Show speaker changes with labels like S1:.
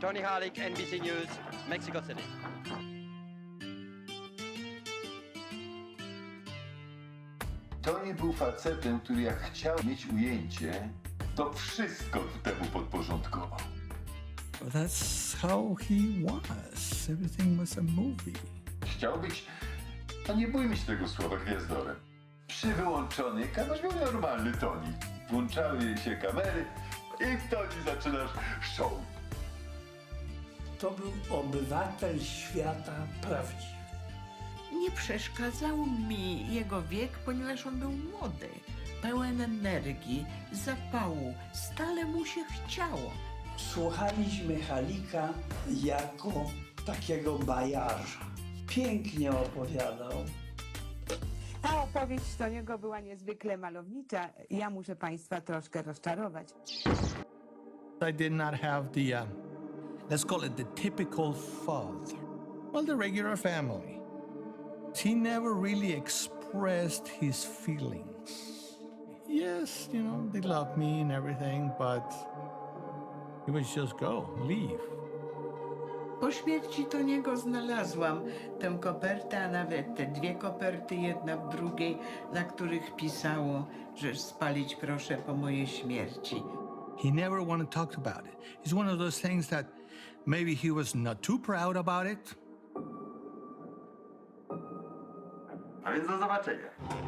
S1: Tony Harlick, NBC News, Mexico City.
S2: Tony był facetem, który jak chciał mieć ujęcie, to wszystko temu podporządkował.
S3: That's how he was. Everything was a movie.
S2: Chciał być, no nie bójmy się tego słowa, gwiazdorem. Przy wyłączonej kamerze był normalny Tony. Włączały się kamery i Tony zaczynasz show.
S4: To był obywatel świata prawdziwy.
S5: Nie przeszkadzał mi jego wiek, ponieważ on był młody, pełen energii, zapału, stale mu się chciało.
S4: Słuchaliśmy Halika jako takiego bajarza. Pięknie opowiadał.
S6: Ta opowieść Toniego była niezwykle malownicza. Ja muszę Państwa troszkę rozczarować.
S3: I did not have the, let's call it the typical father. Well, the regular family. He never really expressed his feelings. Yes, you know, they love me and everything, but he would just go, leave.
S5: Po śmierci Toniego znalazłam tę kopertę, a nawet te dwie koperty, jedna w drugiej, na których pisało, że spalić proszę po mojej śmierci.
S3: He never wanted to talk about it. It's one of those things that maybe he was not too proud about it.
S7: A więc do zobaczenia.